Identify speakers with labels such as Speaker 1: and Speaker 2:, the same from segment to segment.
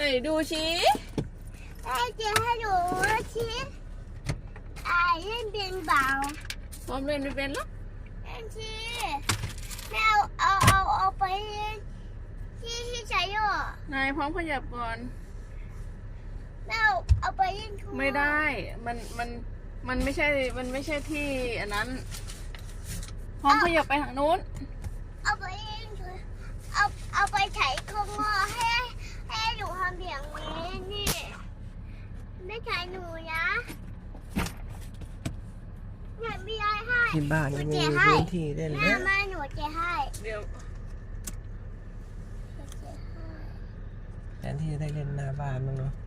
Speaker 1: ดูชี้
Speaker 2: แม่จะให้หนูชี้เล่นเป็นเบา
Speaker 1: พร้อมเล่นไม่เป็นหรอ
Speaker 2: เล่นชี้แม่เอาไปที่ใช้หร
Speaker 1: อนายพร้อมขยับก่อน
Speaker 2: แม่เอาไปเล่นทั่ว
Speaker 1: ไม่ได้มันไม่ใช่ที่อันนั้นพร้อมขยับไปทางนู้น
Speaker 2: เอาไปเล่นทั่วเอาไปใช้คงให้หนูทำอย่างนี้นี่ไม่ใช้หนูนะเนี่ยไม่ได้ให้
Speaker 3: ที่บ้านมีพื้นที่เล่นแล้ว
Speaker 2: มาหนูจะให้
Speaker 1: เดี๋ยว
Speaker 3: แทนที่จะได้เล่นหน้าบ้านมั้งเนาะ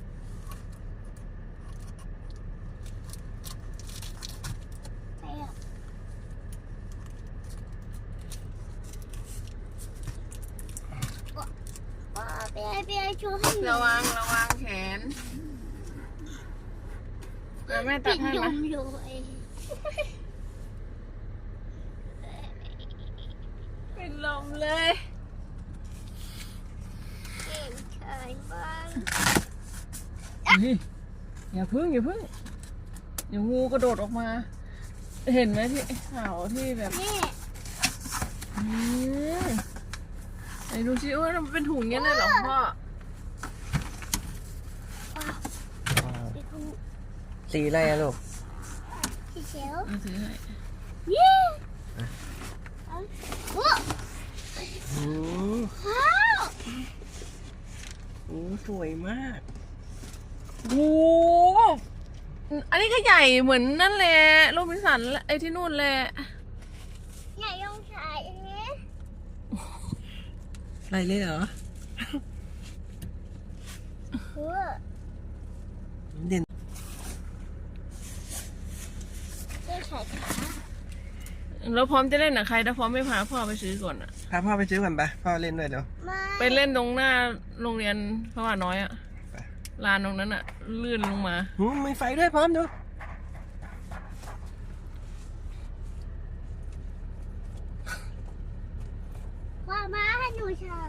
Speaker 1: ระวังแขนแม่ตัดให้ไหมเป็นลมเลยอย่าพึ่งเดี๋ยวงูกระโดดออกมาเห็นไหมที่ข่าวที่แบบไอ้ดูชิว่ามันเป็นถุงเงี้ยเลยเหรอพ่อ
Speaker 3: สีอะไรอะลูก
Speaker 2: สีเขียว
Speaker 1: ซื้อให้
Speaker 3: สวยมาก
Speaker 1: โอ้อันนี้ก็ใหญ่เหมือนนั่นแหละโรบินสันไอ้ที่นู่นแหละ
Speaker 2: ใหญ่ลงชายอันนี้
Speaker 3: อะไรเลยเหรอเด่น
Speaker 1: แล้วพร้อมจะเล่นกับใครถ้าพร้อมไม่พาพ่อไปซื้อก่อนอ่ะ
Speaker 3: พาพ่อไปซื้อก่อนไปพ่อเล่นด้วยเดี๋ยว
Speaker 1: ไปเล่นตรงหน้าโรงเรียนพระว่าน้อยอ่ะลานตรงนั้นอ่ะลื่นลงมา
Speaker 3: มีไฟด้วยพร้อมดู
Speaker 2: ว่ามาให้หนูชาย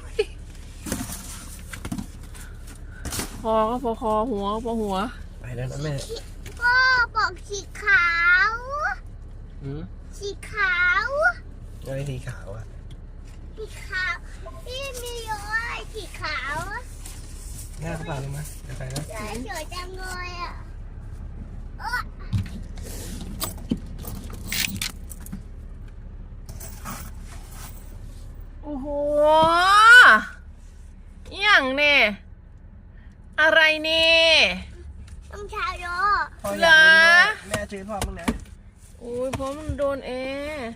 Speaker 1: คอก็พอคอหัวก็พอหัว
Speaker 3: ไปแล้วนะแม่
Speaker 2: ก็บอกสีขาวสีขาว
Speaker 3: อะไรสีขาวอะ
Speaker 2: สีขาวพี่มีเยอะสีขาว
Speaker 3: หน้ากระเป๋าลงมาเดี๋ยวไปนะ
Speaker 2: สวยจังเลยอ่ะ
Speaker 1: โอ้โหอย่างเนี่ยอะไรเนี่ย
Speaker 2: ต้องชาโย
Speaker 1: เหรอ
Speaker 3: แม่ซื้อพ่อมึงนะ
Speaker 1: โอ้ยเพราะมันโดนแอร์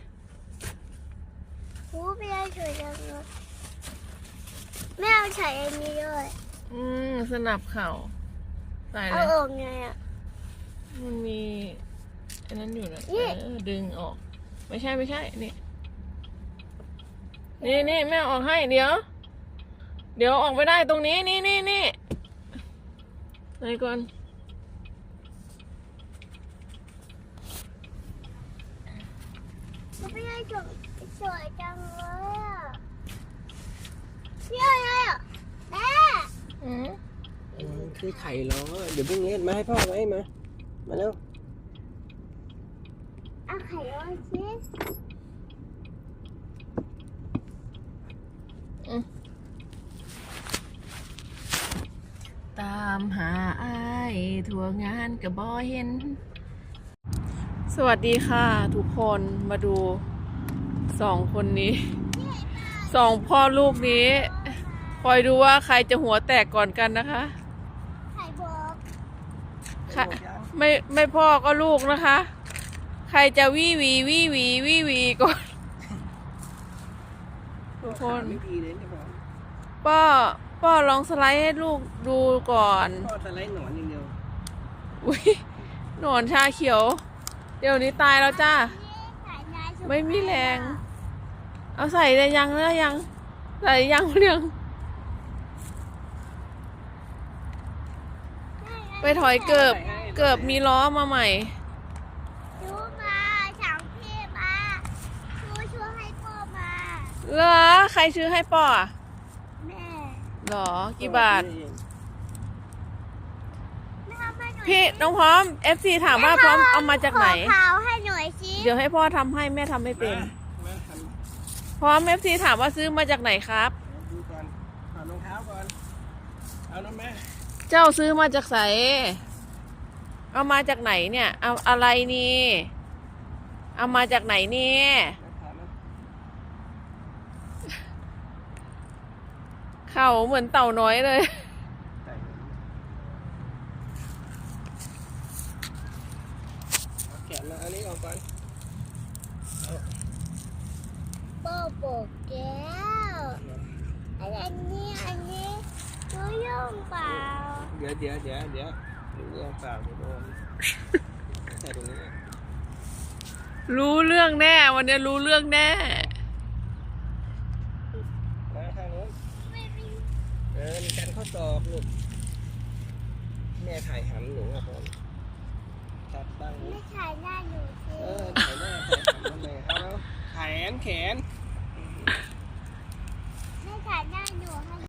Speaker 2: ไม่ได้สวยจังเลยแม่เอาใส่อันนี้ด้วย
Speaker 1: สนับเข่าใส่เลย
Speaker 2: เอาออกไงอ่ะ
Speaker 1: มันมีอันนั้นอยู่นะดึงออกไม่ใช่นี่แม่ออกให้เดี๋ยวออกไปได้ตรงนี้นี่ไหนก่อน
Speaker 2: ไม่ได้สวยจังเลยอ่ะนี่อะไรอ่ะแม่
Speaker 3: คือไข่ล้อเดี๋ยวพรุ่งนี้มาให้พ่อไว้มาเร็ว
Speaker 2: เอาไข่ล้อสิ
Speaker 1: ตามหาอ้ายทั่วงานกับบ่เห็นสวัสดีค่ะทุกคนมาดู2 คนนี้2 พ่อลูกนี้คอยดูว่าใครจะหัวแตกก่อนกันนะคะ
Speaker 2: ไข่บอก
Speaker 1: ไม่พ่อก็ลูกนะคะใครจะวี่หวีก่อนทุกคนป้อลองสไลด์ให้ลูกดูก่อน
Speaker 3: ป้อสไลด์หนอนอย่างเดียว
Speaker 1: อุ้ยหนอนชาเขียวเดี๋ยวนี้ตายแล้วจ้าไม่มีแรงเอาใส่ได้ยังใส่ยังเรื่องไปถอยเกือบมีล้อมาใหม่
Speaker 2: ดูมาสั่งพี่มาช่วยให้พ่อมา
Speaker 1: เหรอใครซื้อให้ป่อ
Speaker 2: แม่
Speaker 1: หรอกี่บาท
Speaker 2: แม่ทำให้หน่อย
Speaker 1: พี่น้องพร้อม FC ถามว่าพร้อมเอามาจากไหน
Speaker 2: ขอเผาให้หน่อยสิ
Speaker 1: เดี๋ยวให้พ่อทำให้แม่ทำไม่เป็น
Speaker 3: มาท
Speaker 1: พร้อม FC ถามว่าซื้อมาจากไหนครับ
Speaker 3: ำดูก่อนถอดรองเท้าก่อน เอาน้ำแม่
Speaker 1: เจ้าซื้อมาจากไหนเอามาจากไหนเนี่ย เอาอะไรนี่ เอามาจากไหนเนี่ย
Speaker 3: ถอดนะ
Speaker 1: เข่าเหมือนเต่าน้อยเลย
Speaker 3: ใส่เอาแขนมาอันนี้ออกก่อน
Speaker 2: โบโบแก้วอันนี้รู้ยุ่งเปล่า
Speaker 3: เดี๋ยวดูเรื่องเปล่าเดี๋ยวโดนใส่ตรงนี้
Speaker 1: รู้เรื่องแน่ วันนี้รู้เรื่องแน่
Speaker 3: มาทางนู้น
Speaker 2: ไม่มี
Speaker 3: มีการข้อศอกลูกแม่ถ่ายหำหนูครับผมจับตั้ง
Speaker 2: ไม่ถ่ายหน้าหนูสิ
Speaker 3: ถ่ายหน้าถ่ายหำนั่นเลยเอาแล้วแขน